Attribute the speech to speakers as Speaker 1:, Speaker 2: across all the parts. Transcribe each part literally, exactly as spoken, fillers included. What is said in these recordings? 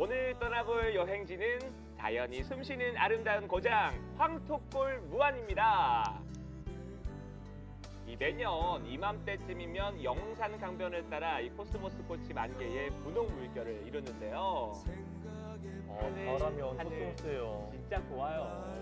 Speaker 1: 오늘 떠나볼 여행지는 자연이 숨쉬는 아름다운 고장 황토골 무안입니다. 이 매년 이맘때쯤이면 영산 강변을 따라 이 코스모스 꽃이 만개의 분홍 물결을 이루는데요.
Speaker 2: 어, 바람이 엄청 쏘세요.
Speaker 1: 진짜 좋아요.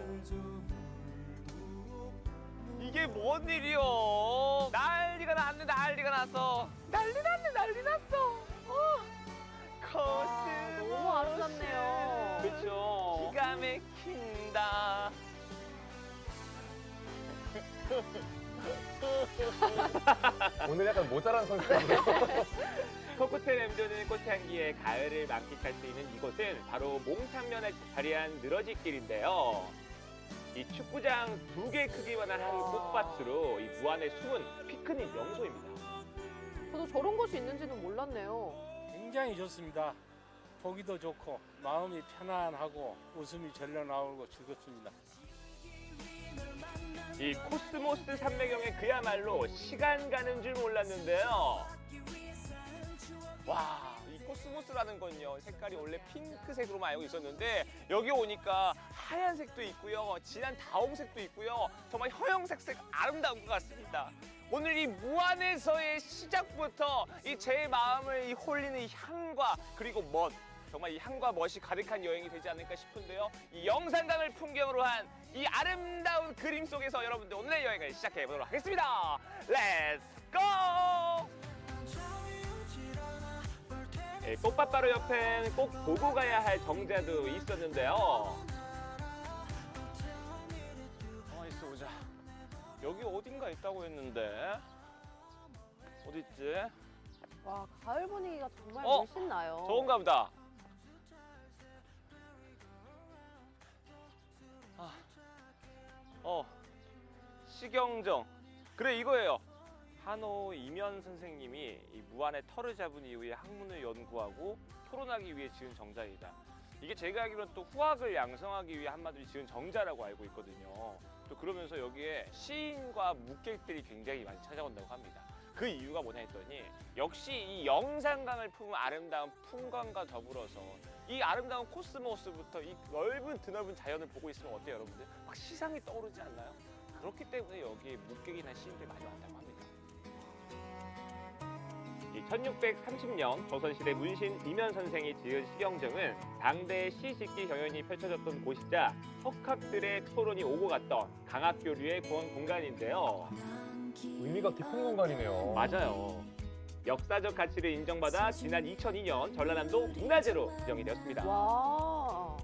Speaker 1: 이게 뭔 일이요? 난리가 났네, 난리가 났어. 난리 났네, 난리 났어. 어.
Speaker 3: 아, 너무 아름답네요.
Speaker 1: 그렇죠. 기가 막힌다.
Speaker 2: 오늘 약간 모자란 성격이에요.
Speaker 1: 코코텔 램조는 꽃향기에 가을을 만끽할 수 있는 이곳은 바로 몽탄면에 자리한 늘어지길인데요. 이 축구장 두 개 크기만한 한 꽃밭으로 이 무안의 숨은 피크닉 명소입니다.
Speaker 3: 저도 저런 곳이 있는지는 몰랐네요.
Speaker 4: 굉장히 좋습니다. 보기도 좋고 마음이 편안하고 웃음이 절로 나오고 즐겁습니다.
Speaker 1: 이 코스모스 산매경에 그야말로 시간 가는 줄 몰랐는데요. 와, 이 코스모스라는 건요, 색깔이 원래 핑크색으로만 알고 있었는데 여기 오니까 하얀색도 있고요, 진한 다홍색도 있고요, 정말 형형색색 아름다운 것 같습니다. 오늘 이 무안에서의 시작부터 이 제 마음을 이 홀리는 이 향과 그리고 멋, 정말 이 향과 멋이 가득한 여행이 되지 않을까 싶은데요. 이 영산강을 풍경으로 한 이 아름다운 그림 속에서 여러분들 오늘의 여행을 시작해 보도록 하겠습니다. 렛츠 고! 예, 꽃밭 바로 옆엔 꼭 보고 가야 할 정자도 있었는데요. 가만히 있어 보자. 여기 어딘가 있다고 했는데 어디 있지?
Speaker 3: 와, 가을 분위기가 정말
Speaker 1: 어?
Speaker 3: 물씬 나요.
Speaker 1: 저건가 보다. 아, 어, 시경정. 그래, 이거예요. 한호 이면 선생님이 이 무안의 털을 잡은 이후에 학문을 연구하고 토론하기 위해 지은 정자이다. 이게 제가 알기로는 또 후학을 양성하기 위해 한마디로 지은 정자라고 알고 있거든요. 또 그러면서 여기에 시인과 묵객들이 굉장히 많이 찾아온다고 합니다. 그 이유가 뭐냐 했더니 역시 이 영산강을 품은 아름다운 풍광과 더불어서 이 아름다운 코스모스부터 이 넓은 드넓은 자연을 보고 있으면 어때요, 여러분들? 막 시상이 떠오르지 않나요? 그렇기 때문에 여기에 묵객이나 시인들이 많이 왔다고 합니다. 이 천육백삼십 년 조선시대 문신 이면 선생이 지은 시경정은 당대의 시 짓기 경연이 펼쳐졌던 곳이자 석학들의 토론이 오고 갔던 강학교류의 공간인데요.
Speaker 2: 의미가 깊은 공간이네요.
Speaker 1: 맞아요. 역사적 가치를 인정받아 지난 이천이 년 전라남도 문화재로 지정이 되었습니다.
Speaker 3: 와.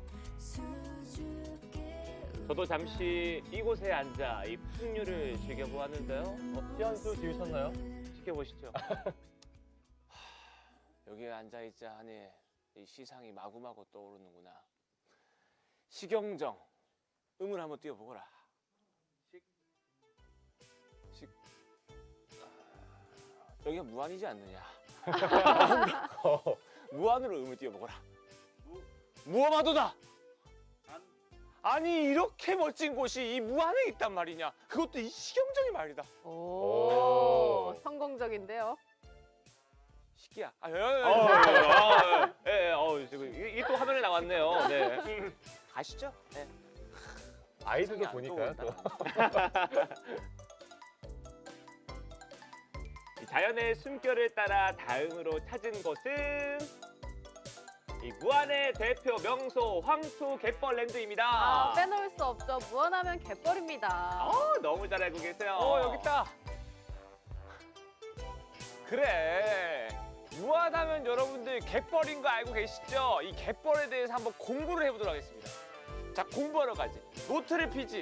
Speaker 1: 저도 잠시 이곳에 앉아 이 풍류를 즐겨보았는데요. 어,
Speaker 2: 피한수 지으셨나요?
Speaker 1: 지켜보시죠. 여기에 앉아있자 하니 이 시상이 마구마구 떠오르는구나. 시경정, 음을 한번 띄워보거라. 식, 식, 아, 여기가 무안이지 않느냐. 무안으로 음을 띄워보거라. 무엄하도다. 아니 이렇게 멋진 곳이 이 무안에 있단 말이냐. 그것도 이 시경정이 말이다.
Speaker 3: 오,
Speaker 2: 오.
Speaker 3: 성공적인데요.
Speaker 1: 시기야. 아, 예, 예, 예, 예, 어, 지금 이게 또 화면에 나왔네요. 네. 가시죠. 네.
Speaker 2: 아이들도
Speaker 1: 안
Speaker 2: 보니까요. 또.
Speaker 1: 이 자연의 숨결을 따라 다음으로 찾은 곳은 이 무안의 대표 명소 황토 갯벌랜드입니다.
Speaker 3: 아, 빼놓을 수 없죠. 무안하면 갯벌입니다.
Speaker 1: 어, 너무 잘 알고 계세요. 어, 여기 있다. 그래. 무안하면 여러분들 갯벌인 거 알고 계시죠? 이 갯벌에 대해서 한번 공부를 해보도록 하겠습니다. 자, 공부하러 가지. 노트를 피지.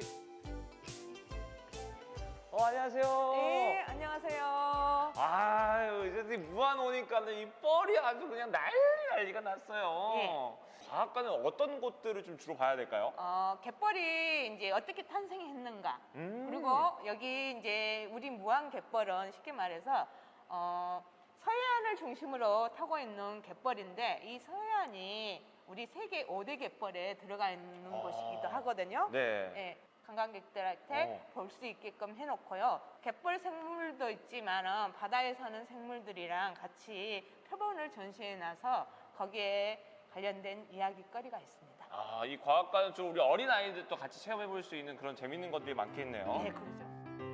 Speaker 1: 어, 안녕하세요.
Speaker 5: 네, 안녕하세요.
Speaker 1: 아유, 이제 무안 오니까는 이 뻘이 아주 그냥 난리 난리가 났어요.
Speaker 5: 예.
Speaker 1: 과학관은 어떤 곳들을 좀 주로 봐야 될까요?
Speaker 5: 어, 갯벌이 이제 어떻게 탄생했는가.
Speaker 1: 음.
Speaker 5: 그리고 여기 이제 우리 무안 갯벌은 쉽게 말해서 어, 서해안을 중심으로 타고 있는 갯벌인데 이 서해안이 우리 세계 오 대 갯벌에 들어가 있는
Speaker 1: 아.
Speaker 5: 곳이기도 하거든요.
Speaker 1: 네.
Speaker 5: 예, 관광객들한테
Speaker 1: 어.
Speaker 5: 볼 수 있게끔 해놓고요. 갯벌 생물도 있지만 바다에 사는 생물들이랑 같이 표본을 전시해놔서 거기에 관련된 이야기거리가 있습니다.
Speaker 1: 아, 이 과학관은 좀 우리 어린 아이들도 같이 체험해 볼 수 있는 그런 재밌는 것들이 많겠네요.
Speaker 5: 네, 그렇죠.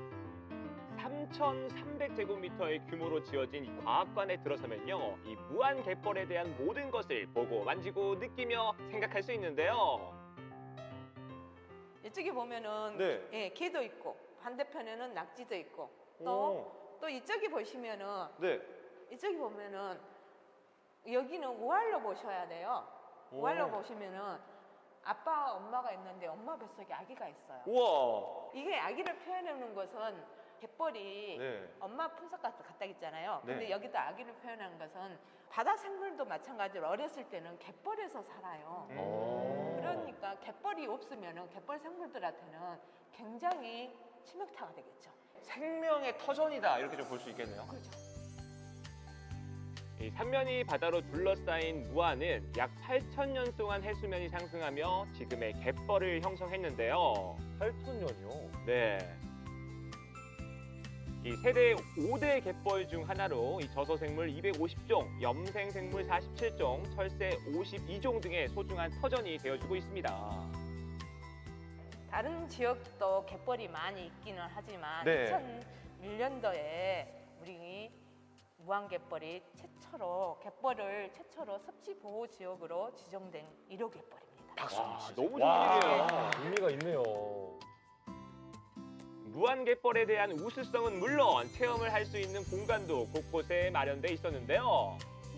Speaker 1: 삼천삼백 제곱미터의 규모로 지어진 이 과학관에 들어서면요, 이 무한 갯벌에 대한 모든 것을 보고 만지고 느끼며 생각할 수 있는데요.
Speaker 5: 이쪽에 보면은
Speaker 1: 네.
Speaker 5: 예, 개도 있고 반대편에는 낙지도 있고 또
Speaker 1: 오.
Speaker 5: 또 이쪽에 보시면은
Speaker 1: 네.
Speaker 5: 이쪽에 보면은 여기는 우알로 보셔야 돼요.
Speaker 1: 오.
Speaker 5: 우알로 보시면은 아빠 엄마가 있는데 엄마 뱃속에 아기가 있어요.
Speaker 1: 우와.
Speaker 5: 이게 아기를 표현하는 것은 갯벌이
Speaker 1: 네.
Speaker 5: 엄마 품속 같- 같다 했잖아요. 근데
Speaker 1: 네.
Speaker 5: 여기도 아기를 표현하는 것은 바다 생물도 마찬가지로 어렸을 때는 갯벌에서 살아요.
Speaker 1: 음.
Speaker 2: 어.
Speaker 5: 그러니까 갯벌이 없으면은 갯벌 생물들한테는 굉장히 치명타가 되겠죠.
Speaker 1: 생명의 터전이다 이렇게 좀 볼 수 있겠네요.
Speaker 5: 그렇죠.
Speaker 1: 이 삼면이 바다로 둘러싸인 무안은 약 팔천 년 동안 해수면이 상승하며 지금의 갯벌을 형성했는데요.
Speaker 2: 팔천 년이요?
Speaker 1: 네. 이 세계 오 대 갯벌 중 하나로 이 저서생물 이백오십 종, 염생생물 사십칠 종, 철새 오십이 종 등의 소중한 터전이 되어주고 있습니다.
Speaker 5: 다른 지역도 갯벌이 많이 있기는 하지만
Speaker 1: 네.
Speaker 5: 이천일 년도에 우리 무안갯벌이 최초로 갯벌을 최초로 섭지보호 지역으로 지정된 일 호 갯벌입니다.
Speaker 1: 박수
Speaker 2: 와,
Speaker 1: 주시죠. 너무
Speaker 2: 와,
Speaker 1: 좋은 일이에요.
Speaker 2: 의미가 있네요.
Speaker 1: 무안갯벌에 대한 우수성은 물론 체험을 할 수 있는 공간도 곳곳에 마련돼 있었는데요.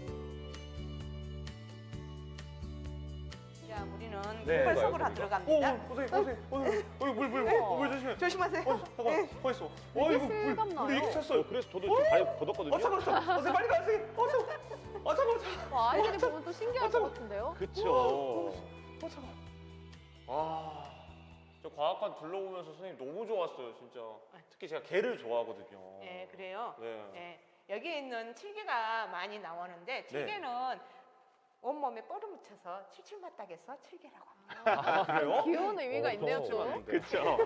Speaker 5: 자, 우리는
Speaker 1: 네.
Speaker 5: 갯벌 속으로 들어갑니다.
Speaker 1: 보세요, 보세요. 어, 어, 물, 물,
Speaker 5: 어.
Speaker 1: 물 조심해.
Speaker 5: 조심하세요.
Speaker 1: 어, 잠깐,
Speaker 5: 네.
Speaker 1: 벌써.
Speaker 3: 되게 실감나요.
Speaker 1: 이렇게 찼어요. 그래서 저도 좀 발이 걷었거든요. 어, 잠깐, 잠깐. 어, 빨리 가세요. 어, 잠깐. 어, 잠깐, 잠깐.
Speaker 3: 와, 아이들이 보면 또 신기할 것 같은데요?
Speaker 1: 그쵸. 어, 잠깐. 와, 저 과학관 둘러보면서 선생님 너무 좋았어요, 진짜. 특히 제가 개를 좋아하거든요.
Speaker 5: 네, 그래요.
Speaker 1: 네.
Speaker 5: 네. 여기에 있는 칠개가 많이 나오는데 칠개는 온몸에 뻘을 묻혀서 칠칠맞닥에서 칠개라고 합니다.
Speaker 1: 아, 그래요?
Speaker 3: 귀여운 의미가
Speaker 2: 어,
Speaker 3: 있네요,
Speaker 2: 더
Speaker 3: 또.
Speaker 1: 그쵸.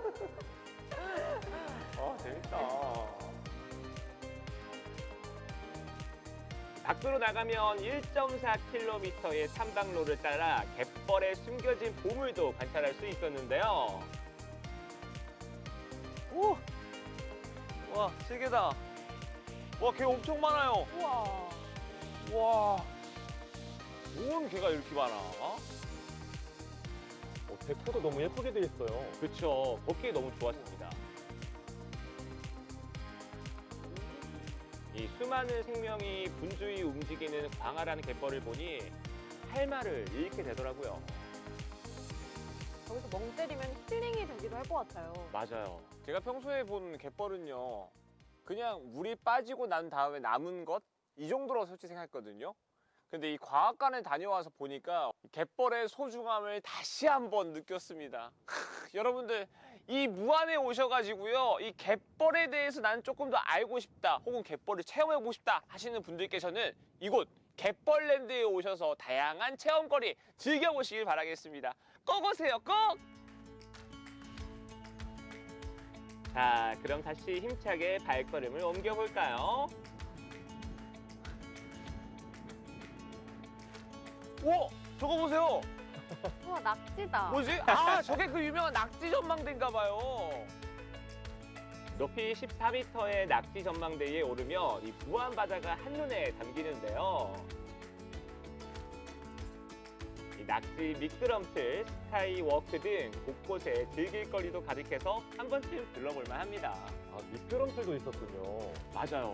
Speaker 1: 아, 재밌다. 밖으로 나가면 일 점 사 킬로미터의 탐방로를 따라 갯벌에 숨겨진 보물도 관찰할 수 있었는데요. 오! 와, 세계다. 와, 개 엄청 많아요.
Speaker 3: 우와.
Speaker 1: 와. 온 개가 이렇게 많아.
Speaker 2: 어, 데코도 너무 예쁘게 돼 있어요.
Speaker 1: 그쵸. 걷기 너무 좋았습니다. 이 수많은 생명이 분주히 움직이는 광활한 갯벌을 보니 할 말을 잃게 되더라고요.
Speaker 3: 여기서 멍 때리면 힐링이 되기도 할 것 같아요.
Speaker 1: 맞아요. 제가 평소에 본 갯벌은요, 그냥 물이 빠지고 난 다음에 남은 것? 이 정도로 솔직히 생각했거든요. 근데 이 과학관에 다녀와서 보니까 갯벌의 소중함을 다시 한번 느꼈습니다. 크, 여러분들 이 무안에 오셔가지고요, 이 갯벌에 대해서 나는 조금 더 알고 싶다, 혹은 갯벌을 체험해보고 싶다 하시는 분들께서는 이곳 갯벌랜드에 오셔서 다양한 체험거리 즐겨보시길 바라겠습니다. 꼭 오세요, 꼭! 자, 그럼 다시 힘차게 발걸음을 옮겨볼까요? 오! 저거 보세요!
Speaker 3: 우와, 낙지다.
Speaker 1: 뭐지? 아, 저게 그 유명한 낙지 전망대인가 봐요. 높이 십사 미터의 낙지 전망대에 오르면 이 무안 바다가 한눈에 담기는데요. 이 낙지 미끄럼틀, 스카이워크 등 곳곳에 즐길 거리도 가득해서 한 번쯤 들러볼 만합니다.
Speaker 2: 아, 미끄럼틀도 있었군요.
Speaker 1: 맞아요.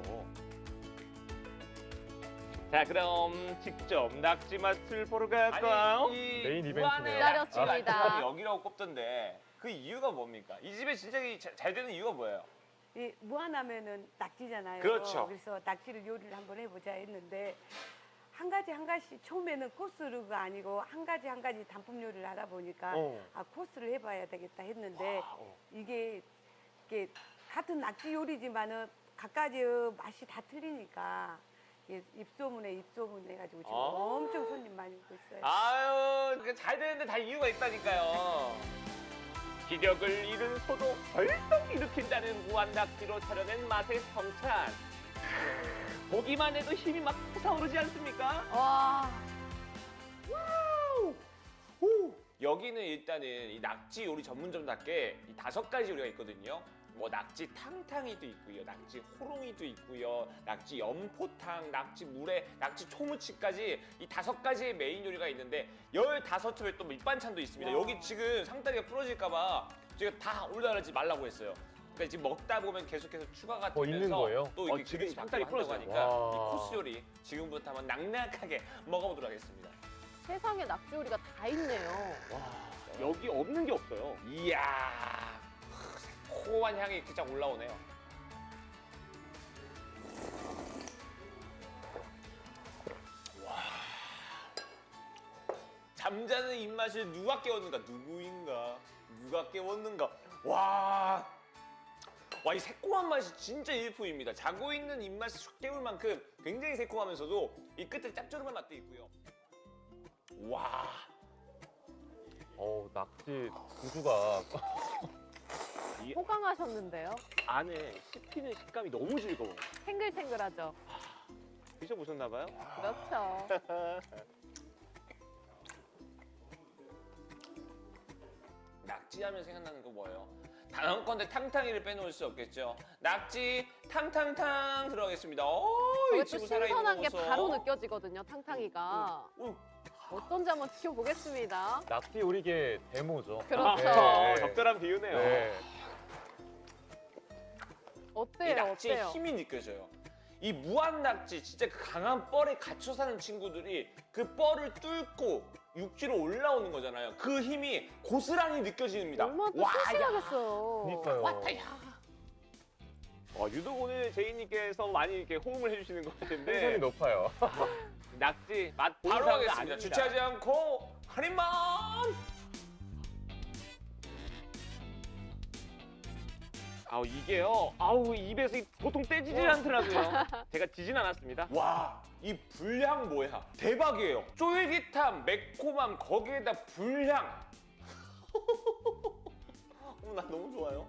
Speaker 1: 자, 그럼 직접 낙지 맛을 보러 갈까요? 아니, 이
Speaker 2: 메인 이벤트네요.
Speaker 1: 무안의
Speaker 3: 기다렸습니다.
Speaker 1: 낙지가 여기라고 꼽던데 그 이유가 뭡니까? 이 집에 진짜 잘, 잘 되는 이유가 뭐예요?
Speaker 6: 이 무안하면은 낙지잖아요.
Speaker 1: 그렇죠.
Speaker 6: 그래서 낙지를 요리를 한번 해보자 했는데 한 가지 한 가지 처음에는 코스가 아니고 한 가지 한 가지 단품 요리를 하다 보니까
Speaker 1: 어.
Speaker 6: 아 코스를 해봐야 되겠다 했는데
Speaker 1: 와, 어.
Speaker 6: 이게 이게 같은 낙지 요리지만은 각가지 맛이 다 틀리니까 이게 입소문에 입소문 해가지고 지금
Speaker 1: 아.
Speaker 6: 엄청 손님 많이 오고 있어요.
Speaker 1: 아유, 그게 잘 되는데 다 이유가 있다니까요. 기력을 잃은 소도 벌떡 일으킨다는 무한 낙지로 차려낸 맛의 성찬. 보기만 해도 힘이 막 솟아오르지 않습니까?
Speaker 3: 와,
Speaker 1: 여기는 일단은 이 낙지 요리 전문점답게 이 다섯 가지 요리가 있거든요. 뭐 낙지 탕탕이도 있고요, 낙지 호롱이도 있고요, 낙지 연포탕, 낙지 물회, 낙지 초무치까지 이 다섯 가지의 메인 요리가 있는데 열다섯 첩에 또 밑반찬도 있습니다.
Speaker 2: 와.
Speaker 1: 여기 지금 상다리가 부러질까봐 제가 다 올라가지 말라고 했어요. 그러니까 지금 먹다 보면 계속해서 추가가
Speaker 2: 더 있는
Speaker 1: 되면서
Speaker 2: 거예요?
Speaker 1: 또
Speaker 2: 어,
Speaker 1: 이게
Speaker 2: 지금
Speaker 1: 그릇이
Speaker 2: 상다리
Speaker 1: 바뀌고 한다고
Speaker 2: 부러져요.
Speaker 1: 하니까
Speaker 2: 와.
Speaker 1: 이 코스 요리 지금부터 한번 낙낙하게 먹어보도록 하겠습니다.
Speaker 3: 세상에 낙지 요리가 다 있네요.
Speaker 2: 여기 없는 게 없어요.
Speaker 1: 이야, 새콤한 향이 이렇게 쫙 올라오네요. 와, 잠자는 입맛을 누가 깨웠는가? 누구인가? 누가 깨웠는가? 와, 와, 이 새콤한 맛이 진짜 일품입니다. 자고 있는 입맛을 쑥 깨울 만큼 굉장히 새콤하면서도 이 끝에 짭조름한 맛도 있고요. 와.
Speaker 2: 어, 낙지 구조가
Speaker 3: 호강하셨는데요.
Speaker 2: 안에 씹히는 식감이 너무 즐거워.
Speaker 3: 탱글탱글하죠.
Speaker 2: 드셔보셨나 봐요?
Speaker 3: 그렇죠.
Speaker 1: 낙지하면 생각나는 거 뭐예요? 단언컨대 탕탕이를 빼놓을 수 없겠죠. 낙지 탕탕탕 들어가겠습니다. 오,
Speaker 3: 저게
Speaker 1: 이
Speaker 3: 또
Speaker 1: 친구 살아있는
Speaker 3: 신선한
Speaker 1: 거
Speaker 3: 게
Speaker 1: 보소.
Speaker 3: 바로 느껴지거든요, 탕탕이가.
Speaker 1: 오,
Speaker 3: 어떤지 한번 지켜보겠습니다.
Speaker 2: 낙지 요리계 데모죠.
Speaker 3: 그렇죠.
Speaker 2: 네.
Speaker 1: 적절한 비유네요.
Speaker 2: 네.
Speaker 1: 이
Speaker 3: 어때요,
Speaker 1: 낙지의
Speaker 3: 어때요?
Speaker 1: 힘이 느껴져요. 이 무한 낙지, 진짜 그 강한 뻘에 갇혀 사는 친구들이 그 뻘을 뚫고 육지로 올라오는 거잖아요. 그 힘이 고스란히 느껴집니다.
Speaker 3: 얼마나 또
Speaker 1: 와, 야.
Speaker 3: 싱싱하겠어요.
Speaker 2: 그러니까요.
Speaker 1: 왔다, 야.
Speaker 7: 어, 유독 오늘 제이님께서 많이 이렇게 호응을 해주시는 것
Speaker 2: 텐션이
Speaker 7: 같은데
Speaker 2: 높아요.
Speaker 7: 낙지 맛
Speaker 1: 바로
Speaker 7: 보는 사람은
Speaker 1: 하겠습니다.
Speaker 7: 아닙니다.
Speaker 1: 주체하지 않고 한입만.
Speaker 7: 아우 이게요. 아우 입에서 이- 도통 떼지질 않더라고요. 제가 지진 않았습니다.
Speaker 1: 와, 이 불향 뭐야? 대박이에요. 쫄깃함, 매콤함, 거기에다 불향. 어, 나 너무 좋아요.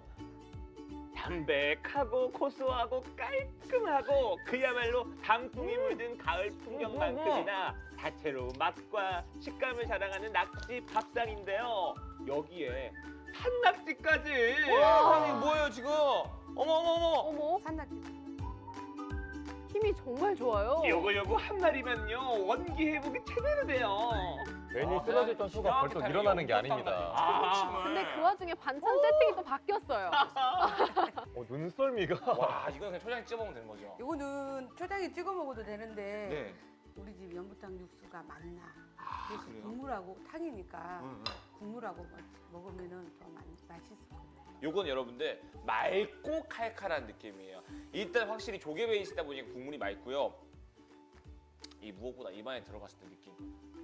Speaker 7: 담백하고 고소하고 깔끔하고 그야말로 단풍이 물든 가을 풍경만큼이나 다채로운 맛과 식감을 자랑하는 낙지 밥상인데요. 여기에 산낙지까지.
Speaker 1: 세상에 뭐예요 지금? 어머 어머 어머.
Speaker 3: 어머,
Speaker 6: 산낙지.
Speaker 3: 힘이 정말 좋아요.
Speaker 7: 요거 요거 한 마리면요 원기 회복이 제대로 돼요.
Speaker 2: 괜히
Speaker 1: 아,
Speaker 2: 쓰러졌던 수가
Speaker 1: 기가
Speaker 2: 벌떡
Speaker 1: 막히게
Speaker 2: 일어나는 게
Speaker 1: 연꽃
Speaker 2: 아닙니다.
Speaker 1: 아,
Speaker 3: 근데 그 와중에 반찬 세팅이 또 바뀌었어요.
Speaker 2: 어, 눈썰미가.
Speaker 1: 와, 이건 그냥 초장에 찍어 먹으면 되는 거죠.
Speaker 6: 이거는 초장에 찍어 먹어도 되는데
Speaker 1: 네.
Speaker 6: 우리 집 연부탕 육수가 많나.
Speaker 1: 아,
Speaker 6: 그래서
Speaker 1: 그래요?
Speaker 6: 국물하고 탕이니까
Speaker 1: 응, 응.
Speaker 6: 국물하고 먹- 먹으면은 더 맛- 맛있을 거예요.
Speaker 1: 요건 여러분들 맑고 칼칼한 느낌이에요. 일단 확실히 조개 베이스다 보니까 국물이 맑고요. 이 무엇보다 입안에 들어갔을 때 느낌.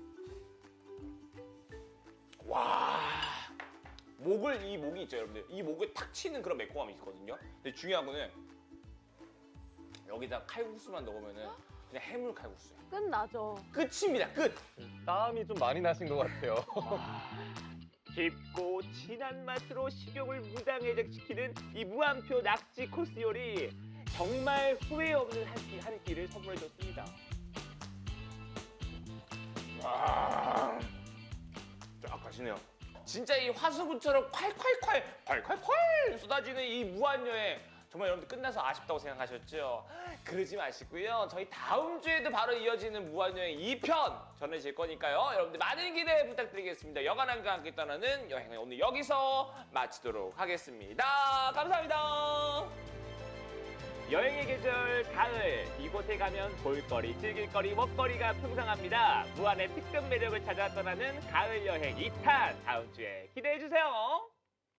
Speaker 1: 와, 목을 이 목이 있죠, 여러분들. 이 목을 탁 치는 그런 매콤함이 있거든요. 근데 중요한 거는 여기다 칼국수만 넣으면은 그냥 해물 칼국수예요.
Speaker 3: 끝나죠.
Speaker 1: 끝입니다, 끝.
Speaker 2: 땀이 좀 많이 나신 것 같아요.
Speaker 7: 깊고 진한 맛으로 식욕을 무장해적시키는 이 무한표 낙지 코스 요리 정말 후회 없는 한 끼 한 끼를 선물해줬습니다.
Speaker 1: 와, 쫙 가시네요. 진짜 이 화수구처럼 콸콸콸 콸콸콸 쏟아지는 이 무한여행 정말 여러분들 끝나서 아쉽다고 생각하셨죠? 그러지 마시고요. 저희 다음 주에도 바로 이어지는 무한여행 이 편 전해질 거니까요. 여러분들 많은 기대 부탁드리겠습니다. 여간함과 함께 떠나는 여행은 오늘 여기서 마치도록 하겠습니다. 감사합니다.
Speaker 7: 여행의 계절 가을 이곳에 가면 볼거리, 즐길거리, 먹거리가 풍성합니다. 무한의 특급 매력을 찾아 떠나는 가을 여행 이 탄 다음 주에 기대해 주세요.